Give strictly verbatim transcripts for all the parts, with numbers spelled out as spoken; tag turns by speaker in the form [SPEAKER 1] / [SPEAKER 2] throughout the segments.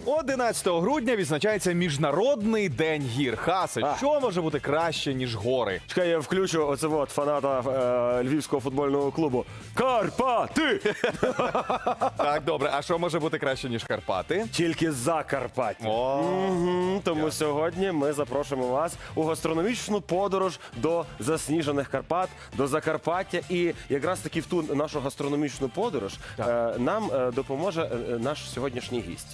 [SPEAKER 1] одинадцятого грудня відзначається Міжнародний день гір. Хасе,
[SPEAKER 2] А.
[SPEAKER 1] що може бути краще, ніж гори?
[SPEAKER 2] Чекай, я включу оце от фаната е, Львівського футбольного клубу. Карпати!
[SPEAKER 1] Так, добре, а що може бути краще, ніж Карпати?
[SPEAKER 2] Тільки Закарпаття.
[SPEAKER 1] О,
[SPEAKER 2] Мгм, Тому сьогодні ми запрошуємо вас у гастрономічну подорож до засніжених Карпат, до Закарпаття. І якраз таки в ту нашу гастрономічну подорож е, нам е, допоможе е, наш сьогоднішній гість.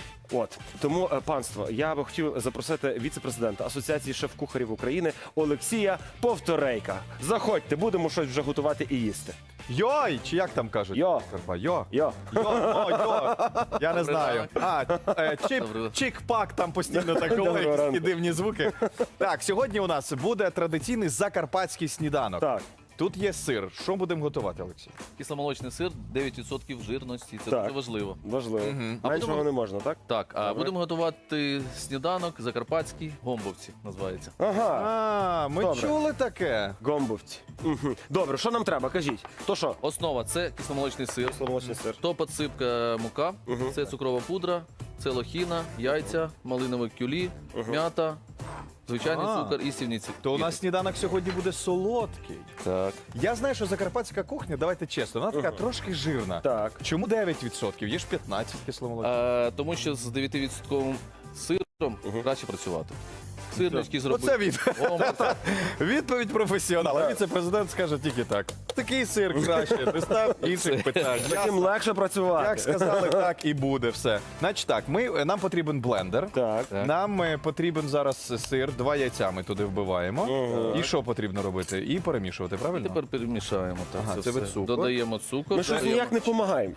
[SPEAKER 2] От тому, е, панство, я би хотів запросити віце-президента Асоціації шеф-кухарів України Олексія Повторейка. Заходьте, будемо щось вже готувати і їсти.
[SPEAKER 1] йой, чи як там кажуть?
[SPEAKER 2] Йо.
[SPEAKER 1] Карпа, йо.
[SPEAKER 2] Йо.
[SPEAKER 1] Йо, о, йо. Я не знаю. А, е, чип,
[SPEAKER 3] Доброго.
[SPEAKER 1] чик-пак там постійно так
[SPEAKER 2] Доброго
[SPEAKER 1] говорить,
[SPEAKER 2] ранку.
[SPEAKER 1] такі дивні звуки. Так, сьогодні у нас буде традиційний закарпатський сніданок.
[SPEAKER 2] Так.
[SPEAKER 1] Тут є сир. Що будемо готувати, Олексій?
[SPEAKER 3] Кисломолочний сир, дев'ять відсотків жирності. Це
[SPEAKER 2] Так.
[SPEAKER 3] дуже важливо.
[SPEAKER 2] Важливо.
[SPEAKER 3] А
[SPEAKER 2] Меншого
[SPEAKER 3] будемо-
[SPEAKER 2] не можна, так?
[SPEAKER 3] Так, а
[SPEAKER 2] Добре.
[SPEAKER 3] будемо готувати сніданок закарпатський гомбовці, називається.
[SPEAKER 2] Ага.
[SPEAKER 1] А, ми
[SPEAKER 2] Добре.
[SPEAKER 1] чули таке.
[SPEAKER 2] Гомбовці. Мгм. Добре, що нам треба? Кажіть. То що?
[SPEAKER 3] Основа це кисломолочний сир,
[SPEAKER 2] Сломолочний сир.
[SPEAKER 3] то підсипка мука, це цукрова пудра, це лохіна, яйця, малинове кюлі, м'ята, звичайний
[SPEAKER 1] А.
[SPEAKER 3] цукор і сівниці.
[SPEAKER 1] То у нас сніданок сьогодні буде солодкий.
[SPEAKER 3] Так.
[SPEAKER 1] Я знаю, що закарпатська кухня, давайте чесно, вона така трошки жирна.
[SPEAKER 2] Так.
[SPEAKER 1] Чому дев'ять відсотків? Є ж п'ятнадцять кисломолочних.
[SPEAKER 3] А, тому що з дев'ять відсотковим сиром краще працювати. Сирнички зробити.
[SPEAKER 1] Оце від...
[SPEAKER 3] гомбовці.
[SPEAKER 1] відповідь професіонала. Віце-президент скаже тільки так. Такий сир краще, не став інших питань.
[SPEAKER 2] Таким легше працювати.
[SPEAKER 1] Як сказали, так і буде все. Значить так, ми, нам потрібен блендер.
[SPEAKER 2] Так.
[SPEAKER 1] Нам е, потрібен зараз сир, два яйця ми туди вбиваємо. І що потрібно робити? І перемішувати, правильно?
[SPEAKER 3] Тепер перемішаємо. Так,
[SPEAKER 1] Ага,
[SPEAKER 3] це
[SPEAKER 1] це ви
[SPEAKER 3] все.
[SPEAKER 1] цукор?
[SPEAKER 3] Додаємо цукор.
[SPEAKER 2] Ми щось
[SPEAKER 3] додаємо-
[SPEAKER 2] ніяк не допомагаємо.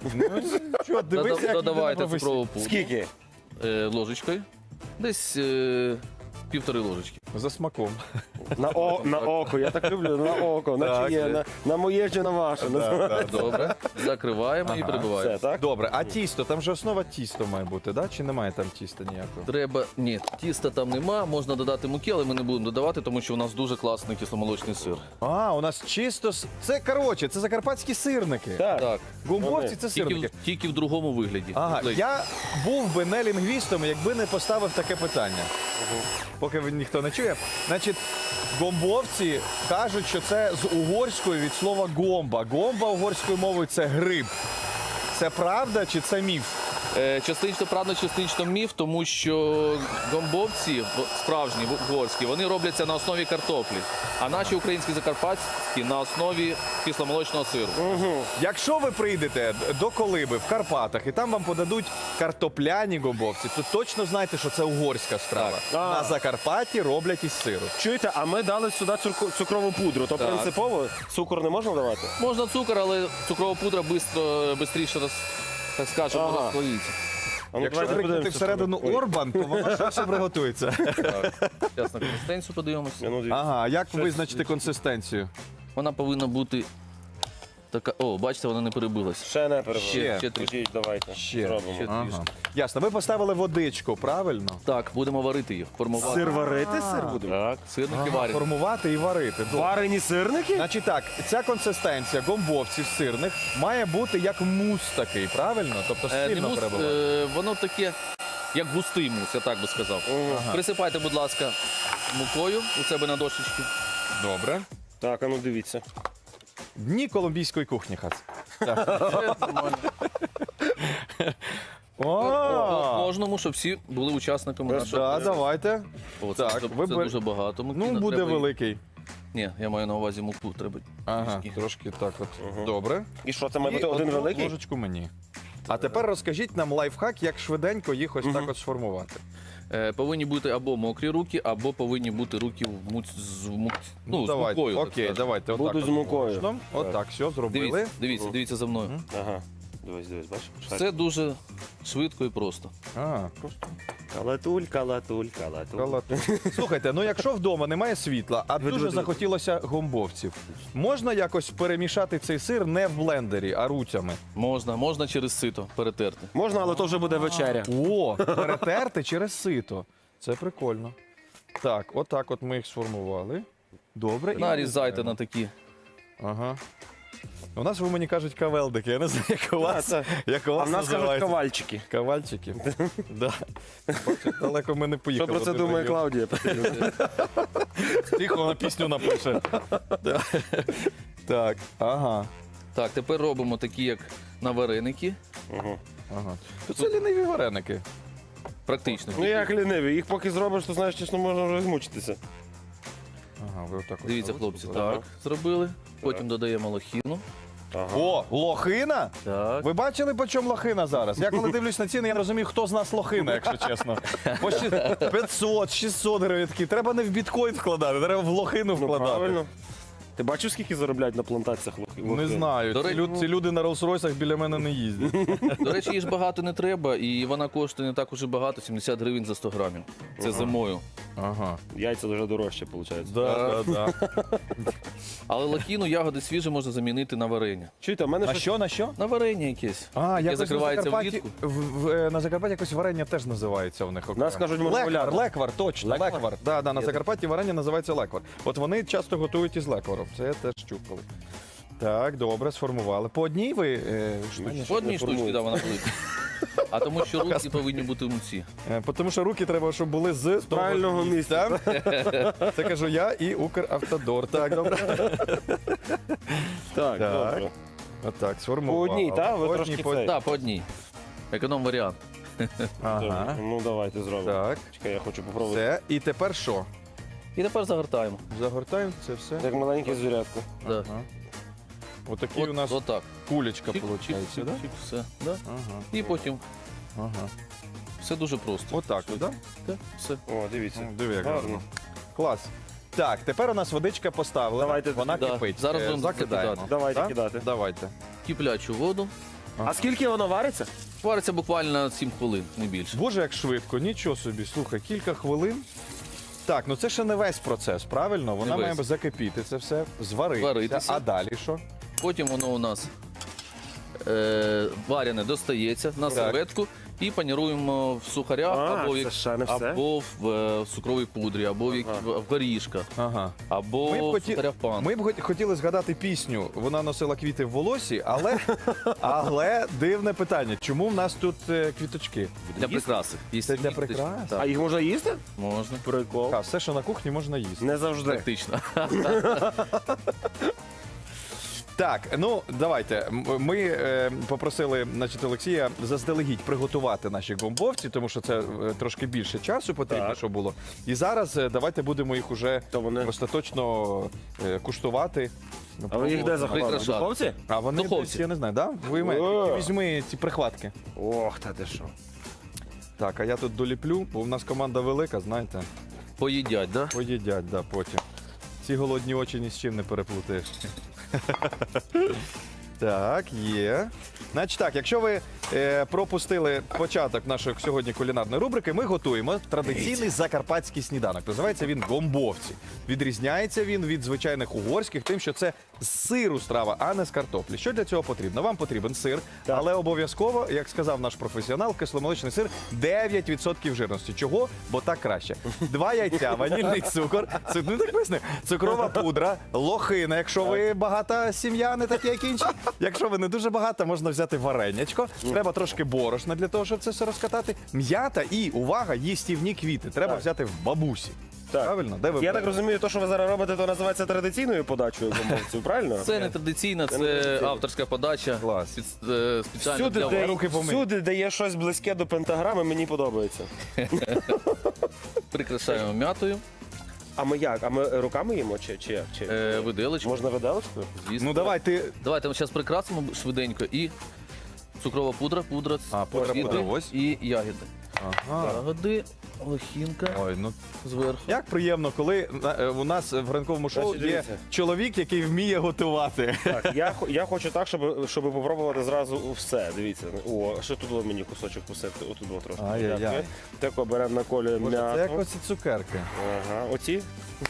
[SPEAKER 1] Що, дивись,
[SPEAKER 3] Дода-
[SPEAKER 1] як
[SPEAKER 3] Додавайте
[SPEAKER 1] людина
[SPEAKER 3] цукрову пудру
[SPEAKER 2] Скільки?
[SPEAKER 3] е, ложечкою. Десь е, півтори ложечки.
[SPEAKER 1] За смаком.
[SPEAKER 2] На, о, на око, я так люблю, на око, на
[SPEAKER 1] Так,
[SPEAKER 2] чиє,
[SPEAKER 1] це-
[SPEAKER 2] на, на моє чи на ваше.
[SPEAKER 3] Добре. Закриваємо і
[SPEAKER 2] Все,
[SPEAKER 3] перебиваємо.
[SPEAKER 2] так?
[SPEAKER 1] Добре, а тісто, там же основа тісто має бути, да? Чи немає там тіста ніякого?
[SPEAKER 3] Треба. Ні, тіста там нема, можна додати муки, але ми не будемо додавати, тому що у нас дуже класний кисломолочний сир.
[SPEAKER 1] А, у нас чисто... с- Це, коротше, це закарпатські сирники.
[SPEAKER 2] Так.
[SPEAKER 3] Так.
[SPEAKER 1] Гумбовці це
[SPEAKER 3] Тільки,
[SPEAKER 1] сирники.
[SPEAKER 3] в- тільки в другому вигляді.
[SPEAKER 1] Ага,
[SPEAKER 3] Ледь.
[SPEAKER 1] я був би не лінгвістом, якби не поставив таке питання. Поки ви- ніхто не чує. Значить, гомбовці кажуть, що це з угорської від слова гомба. Гомба угорською мовою це гриб. Це правда чи це міф?
[SPEAKER 3] Е, Частично правда, частично міф, тому що гомбовці в- справжні в- угорські, вони робляться на основі картоплі, а наші українські закарпатські на основі кисломолочного сиру.
[SPEAKER 1] Якщо ви прийдете до Колиби в Карпатах і там вам подадуть картопляні гомбовці, то точно знайте, що це угорська страва.
[SPEAKER 2] Так.
[SPEAKER 1] На Закарпатті роблять із сиру.
[SPEAKER 2] Чуєте, а ми дали сюди цурку- цукрову пудру, то
[SPEAKER 3] Так.
[SPEAKER 2] принципово цукор не можна давати?
[SPEAKER 3] Можна цукор, але цукрава пудра швидко, швидше роз, так скажемо,
[SPEAKER 2] Ага.
[SPEAKER 3] розслоїться.
[SPEAKER 2] А ну,
[SPEAKER 1] Якщо
[SPEAKER 2] давайте
[SPEAKER 1] прикнути
[SPEAKER 2] подивимося.
[SPEAKER 1] всередину
[SPEAKER 2] Ой.
[SPEAKER 1] Орбан, то воно швидше приготується.
[SPEAKER 3] Так. Зараз на консистенцію подивимося.
[SPEAKER 2] Ну, дивіться.
[SPEAKER 1] Ага, як визначити консистенцію?
[SPEAKER 3] Вона повинна бути така. О, бачите, вона не перебилась.
[SPEAKER 2] Ще не перебуває.
[SPEAKER 1] Ще.
[SPEAKER 3] Ще трішки.
[SPEAKER 2] Ідіть, давайте.
[SPEAKER 1] Ще.
[SPEAKER 2] Зробимо.
[SPEAKER 3] Ще
[SPEAKER 1] Ага.
[SPEAKER 3] трішки.
[SPEAKER 1] Ясно, ви поставили водичку, правильно?
[SPEAKER 3] Так, будемо варити їх. Формувати.
[SPEAKER 2] Сир варити, сир будемо?
[SPEAKER 3] Так, сирники
[SPEAKER 1] Ага,
[SPEAKER 3] варять.
[SPEAKER 1] формувати і варити. Добре.
[SPEAKER 2] Варені сирники?
[SPEAKER 1] Значить так, ця консистенція гомбовців сирних має бути як мус такий, правильно? Тобто
[SPEAKER 3] Е, не
[SPEAKER 1] сильно
[SPEAKER 3] мус,
[SPEAKER 1] перебивати.
[SPEAKER 3] е, воно таке, як густий мус, я так би сказав. Присипайте, будь ласка, мукою у себе на дошечці.
[SPEAKER 1] Добре.
[SPEAKER 2] Так, а ну дивіться.
[SPEAKER 1] Дні колумбійської кухні, Хац.
[SPEAKER 3] Це нормально. По
[SPEAKER 1] О,
[SPEAKER 3] кожному, щоб всі були учасниками нашого.
[SPEAKER 1] да, давайте.
[SPEAKER 3] О, це,
[SPEAKER 1] Так,
[SPEAKER 3] це,
[SPEAKER 1] ви
[SPEAKER 3] це
[SPEAKER 1] бер-
[SPEAKER 3] дуже багато муки.
[SPEAKER 1] Ну,
[SPEAKER 3] не
[SPEAKER 1] буде
[SPEAKER 3] треба її-
[SPEAKER 1] великий.
[SPEAKER 3] Ні, я маю на увазі муку, треба.
[SPEAKER 1] Ага,
[SPEAKER 3] трішки.
[SPEAKER 1] трошки так от. Добре.
[SPEAKER 2] І що, це має
[SPEAKER 1] І
[SPEAKER 2] бути один
[SPEAKER 1] одну
[SPEAKER 2] великий?
[SPEAKER 1] ложечку мені. А тепер розкажіть нам лайфхак, як швиденько їх ось так от сформувати.
[SPEAKER 3] Е, повинні бути або мокрі руки, або повинні бути руки в муць, з, мук... ну, з
[SPEAKER 1] давайте.
[SPEAKER 3] мукою. так
[SPEAKER 1] Окей,
[SPEAKER 3] скажемо.
[SPEAKER 1] давайте.
[SPEAKER 2] Буду
[SPEAKER 1] отак
[SPEAKER 2] з
[SPEAKER 1] от
[SPEAKER 2] мукою.
[SPEAKER 1] можна. Отак, все, зробили.
[SPEAKER 3] Дивіться, дивіться, дивіться за мною.
[SPEAKER 2] Ага. Дивись, дивись, бачиш?
[SPEAKER 3] Все дуже швидко і просто.
[SPEAKER 1] А, просто
[SPEAKER 2] Калатуль, калатуль, калатуль.
[SPEAKER 1] калат. Слухайте, ну якщо вдома немає світла, а
[SPEAKER 2] Диви,
[SPEAKER 1] дуже
[SPEAKER 2] диви, диви.
[SPEAKER 1] захотілося гомбовців, можна якось перемішати цей сир не в блендері, а руцями?
[SPEAKER 3] Можна, можна через сито перетерти.
[SPEAKER 2] Можна, але то вже буде вечеря.
[SPEAKER 1] О, перетерти через сито. Це прикольно. Так, отак от ми їх сформували. Добре. і
[SPEAKER 3] Нарізайте
[SPEAKER 1] нарізаємо.
[SPEAKER 3] на такі.
[SPEAKER 1] Ага. У нас в Умані кажуть кавелдики. Я не знаю, як у вас,
[SPEAKER 2] це-
[SPEAKER 1] як у
[SPEAKER 2] А
[SPEAKER 1] вас
[SPEAKER 2] в нас кажуть
[SPEAKER 1] називається.
[SPEAKER 2] ковальчики.
[SPEAKER 1] Кавальчики. Да. Бачите, далеко ми не
[SPEAKER 2] Що
[SPEAKER 1] поїхали.
[SPEAKER 2] про це
[SPEAKER 1] Ти
[SPEAKER 2] думає
[SPEAKER 1] прийом.
[SPEAKER 2] Клаудія?
[SPEAKER 1] Тихо, вона пісню напише. Да. Так, ага.
[SPEAKER 3] Так, тепер робимо такі, як на вареники.
[SPEAKER 1] ага. То це ліниві вареники.
[SPEAKER 3] Практично.
[SPEAKER 2] Ну як ліниві, їх поки зробиш, то знаєш, чесно, можна вже змучитися.
[SPEAKER 1] Ага, ви отак. от
[SPEAKER 3] Дивіться,
[SPEAKER 1] робите?
[SPEAKER 3] хлопці, так, зробили. Потім додаємо лохіну.
[SPEAKER 2] Ага.
[SPEAKER 1] О, лохина?
[SPEAKER 3] Так.
[SPEAKER 1] Ви бачили, по чому лохина зараз? Я коли дивлюсь на ціни, я не розумію, хто з нас лохина, якщо чесно. По щі- п'ятсот, шістсот гривень такі. Треба не в біткоін вкладати, треба в лохину
[SPEAKER 2] Ну
[SPEAKER 1] вкладати.
[SPEAKER 2] правильно. Ти бачив, скільки заробляють на плантаціях лохи?
[SPEAKER 1] Не знаю.
[SPEAKER 3] До
[SPEAKER 1] Ці,
[SPEAKER 3] речі,
[SPEAKER 1] люд- ці люди на Роллс-Ройсах біля мене не їздять.
[SPEAKER 3] До речі, її ж багато не треба, і вона коштує не так уже багато, сімдесят гривень за сто грамів. Це зимою.
[SPEAKER 1] Ага.
[SPEAKER 2] Яйця дуже дорожче, виходить.
[SPEAKER 1] Да, да, да.
[SPEAKER 3] Але лохіну, ягоди свіжі можна замінити на варення.
[SPEAKER 2] Чуєте, в мене
[SPEAKER 1] На
[SPEAKER 2] щось...
[SPEAKER 1] що, на що?
[SPEAKER 3] На варення якесь.
[SPEAKER 1] А,
[SPEAKER 3] яке
[SPEAKER 1] якось на
[SPEAKER 3] закривається
[SPEAKER 1] Закарпатті,
[SPEAKER 3] влітку.
[SPEAKER 1] в, в, е, на Закарпатті якось варення теж називається в них. окремо.
[SPEAKER 2] Нас кажуть, може,
[SPEAKER 1] леквар,
[SPEAKER 2] гуляти.
[SPEAKER 1] леквар, точно, леквар.
[SPEAKER 2] Леквар?
[SPEAKER 1] Да, да, на
[SPEAKER 3] Є
[SPEAKER 1] Закарпатті варення називається леквар. От вони часто готують із лекваром. Це я теж чув коли. Так, добре, сформували. По одній ви е, штуці?
[SPEAKER 3] По одній
[SPEAKER 2] не
[SPEAKER 3] штучці,
[SPEAKER 2] формується.
[SPEAKER 3] да, вона велика. А тому що руки повинні бути муці.
[SPEAKER 1] Е, Тому що руки треба, щоб були з
[SPEAKER 2] правильного
[SPEAKER 1] того
[SPEAKER 2] місця.
[SPEAKER 1] Це кажу я і Укравтодор. Так, добре.
[SPEAKER 2] Так,
[SPEAKER 1] Так.
[SPEAKER 2] добре.
[SPEAKER 1] Отак, сформували.
[SPEAKER 2] По одній, так? Ви
[SPEAKER 1] По
[SPEAKER 2] трошки
[SPEAKER 1] одній, по-
[SPEAKER 2] цей.
[SPEAKER 3] Так, по одній. Економ варіант.
[SPEAKER 1] Ага.
[SPEAKER 2] Ну давайте зробимо.
[SPEAKER 1] Так,
[SPEAKER 2] Чекай, я хочу попробувати.
[SPEAKER 1] все. І тепер що?
[SPEAKER 3] І тепер загортаємо.
[SPEAKER 1] Загортаємо це все.
[SPEAKER 2] Як маленьке звірятко.
[SPEAKER 3] Да.
[SPEAKER 1] Ага. Отакий
[SPEAKER 3] От,
[SPEAKER 1] у нас
[SPEAKER 3] отак.
[SPEAKER 1] кулечка
[SPEAKER 3] Чик,
[SPEAKER 1] виходить,
[SPEAKER 3] чик, чик,
[SPEAKER 1] да?
[SPEAKER 3] чик, все. Да?
[SPEAKER 1] Ага,
[SPEAKER 3] І потім
[SPEAKER 1] ага.
[SPEAKER 3] все дуже просто.
[SPEAKER 1] Отак, так? Да?
[SPEAKER 3] Так, все.
[SPEAKER 2] О, дивіться.
[SPEAKER 1] Ну, Диви, як
[SPEAKER 2] Гарно.
[SPEAKER 1] гарно. Клас. Так, тепер у нас водичка поставлена.
[SPEAKER 2] Давайте.
[SPEAKER 1] Вона
[SPEAKER 3] Да.
[SPEAKER 1] кипить.
[SPEAKER 3] Зараз
[SPEAKER 1] Е,
[SPEAKER 3] будемо
[SPEAKER 1] закидаємо.
[SPEAKER 3] закидати.
[SPEAKER 2] Давайте
[SPEAKER 1] Так?
[SPEAKER 2] кидати.
[SPEAKER 1] Давайте.
[SPEAKER 3] Киплячу воду.
[SPEAKER 2] А скільки воно вариться?
[SPEAKER 3] Вариться буквально сім хвилин, не більше.
[SPEAKER 1] Боже, як швидко, нічого собі. Слухай, кілька хвилин. Так, ну це ще не весь процес, правильно? Вона
[SPEAKER 3] Не
[SPEAKER 1] має
[SPEAKER 3] весь.
[SPEAKER 1] закипіти це все, зваритися.
[SPEAKER 3] Зваритися.
[SPEAKER 1] А далі що?
[SPEAKER 3] Потім воно у нас е, варене достається на серветку і паніруємо в сухарях
[SPEAKER 2] А,
[SPEAKER 3] або, в
[SPEAKER 2] це
[SPEAKER 3] як-
[SPEAKER 2] ще не все?
[SPEAKER 3] або в, е, цукровій пудрі, або в, як-
[SPEAKER 2] Ага.
[SPEAKER 3] в горішках,
[SPEAKER 1] Ага.
[SPEAKER 3] або
[SPEAKER 1] Ми б,
[SPEAKER 3] в
[SPEAKER 1] хоті...
[SPEAKER 3] сухарях пан.
[SPEAKER 1] Ми б хот- хотіли згадати пісню. Вона носила квіти в волосі, але, але дивне питання. Чому в нас тут е, квіточки?
[SPEAKER 3] Для прикраси.
[SPEAKER 1] Це для прикрас?
[SPEAKER 2] А
[SPEAKER 3] Так,
[SPEAKER 2] їх можна їсти?
[SPEAKER 3] можна.
[SPEAKER 2] Прикол.
[SPEAKER 1] А, все, що на кухні, можна їсти.
[SPEAKER 2] Не завжди.
[SPEAKER 3] Практично.
[SPEAKER 1] Так, ну давайте. М- Ми е, попросили значить, Олексія заздалегідь приготувати наші гомбовці, тому що це е, трошки більше часу потрібно,
[SPEAKER 2] Так.
[SPEAKER 1] щоб було. І зараз е, давайте будемо їх уже
[SPEAKER 2] То вони.
[SPEAKER 1] остаточно е, куштувати.
[SPEAKER 2] А ви їх де заховали? В
[SPEAKER 3] Прикрашати.
[SPEAKER 2] духовці?
[SPEAKER 1] А вони
[SPEAKER 3] Духовці.
[SPEAKER 1] десь, я не знаю, да? Ви
[SPEAKER 2] О.
[SPEAKER 1] візьми ці прихватки.
[SPEAKER 2] Ох, та ти що.
[SPEAKER 1] Так, а я тут доліплю, бо в нас команда велика, знаєте,
[SPEAKER 3] Поїдять, да?
[SPEAKER 1] поїдять, да, потім. Ці голодні очі ні з чим не переплутаєш. Так, є. Значить так, якщо ви е, пропустили початок нашої сьогодні кулінарної рубрики, ми готуємо традиційний закарпатський сніданок. Називається він гомбовці. Відрізняється він від звичайних угорських, тим, що це з сиру страва, а не з картоплі. Що для цього потрібно? Вам потрібен сир,
[SPEAKER 2] Так.
[SPEAKER 1] але обов'язково, як сказав наш професіонал, кисломолочний сир дев'ять відсотків жирності. Чого? Бо так краще. Два яйця, ванільний цукор, це ну так поясню, цукрова пудра, лохина, якщо ви багата сім'я, не такі, як інші. Якщо ви не дуже багата, можна взяти варенячко. Треба трошки борошна для того, щоб це все розкатати. М'ята і, увага, їстівні квіти. Треба
[SPEAKER 2] Так.
[SPEAKER 1] взяти в бабусі.
[SPEAKER 2] Так.
[SPEAKER 1] Правильно? Де ви
[SPEAKER 2] Я так
[SPEAKER 1] берете?
[SPEAKER 2] розумію, то, що ви зараз робите, то називається традиційною подачею гомбовців, правильно?
[SPEAKER 3] Це не традиційна,
[SPEAKER 2] Це
[SPEAKER 3] це
[SPEAKER 2] не традиційно.
[SPEAKER 3] авторська подача.
[SPEAKER 1] Клас.
[SPEAKER 3] Спец- е, Спеціально
[SPEAKER 2] Всюди
[SPEAKER 3] для
[SPEAKER 2] де,
[SPEAKER 3] вас.
[SPEAKER 1] руки помий.
[SPEAKER 2] всюди, де є щось близьке до пентаграми, мені подобається.
[SPEAKER 3] Прикрашаємо м'ятою,
[SPEAKER 2] А ми як? А ми руками їмо чи, чи як? Чи...
[SPEAKER 3] е, виделочку.
[SPEAKER 2] Можна виделочкою?
[SPEAKER 3] Звісно.
[SPEAKER 1] Ну давай ти.
[SPEAKER 3] Давайте ми зараз прикрасимо швиденько і цукрова пудра, пудра,
[SPEAKER 1] А, пудра,
[SPEAKER 3] квіти
[SPEAKER 1] пудра, ось.
[SPEAKER 3] і ягоди.
[SPEAKER 1] Ага.
[SPEAKER 3] Ягоди, лохінка
[SPEAKER 1] Ой, ну
[SPEAKER 3] зверху.
[SPEAKER 1] як приємно, коли е, у нас в ранковому шоу
[SPEAKER 2] Значить,
[SPEAKER 1] є
[SPEAKER 2] дивіться.
[SPEAKER 1] чоловік, який вміє готувати.
[SPEAKER 2] Так, я, хо- я хочу так, щоб, щоб попробувати зразу все. Дивіться. О, ще тут було мені кусочок посипти. Отут було трошки.
[SPEAKER 1] Ай-яй-яй.
[SPEAKER 2] Дякую. Тако беремо на колі
[SPEAKER 1] Боже, це як
[SPEAKER 2] м'яту.
[SPEAKER 1] оці цукерки.
[SPEAKER 2] Ага, оці.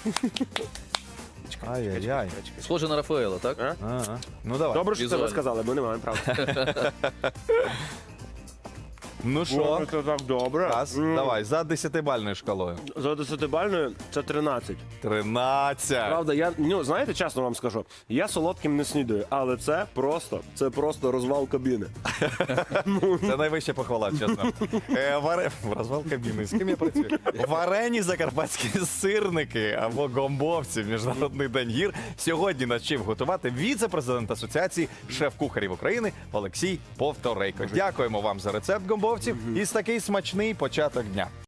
[SPEAKER 1] Ай-яй-яй.
[SPEAKER 3] Схоже на Рафаела, так?
[SPEAKER 2] А?
[SPEAKER 1] Ага. Ну давай.
[SPEAKER 2] Добре, що це ви
[SPEAKER 3] Візуально.
[SPEAKER 2] сказали, бо не маємо права.
[SPEAKER 1] Ну що,
[SPEAKER 2] Це так добре.
[SPEAKER 1] Раз,
[SPEAKER 2] М.
[SPEAKER 1] давай, за десятибальною шкалою.
[SPEAKER 2] За десятибальною це тринадцять.
[SPEAKER 1] тринадцять.
[SPEAKER 2] Правда, я ну знаєте, чесно вам скажу, я солодким не снідаю, але це просто, це просто розвал кабіни.
[SPEAKER 1] Це найвища похвала, чесно. Е, варе... Розвал кабіни. З ким я працюю? Варені закарпатські сирники або гомбовці в Міжнародний день гір сьогодні навчив готувати віце-президент Асоціації шеф-кухарів України Олексій Повторейко. Дякуємо вам за рецепт гомбовців і такий смачний початок дня.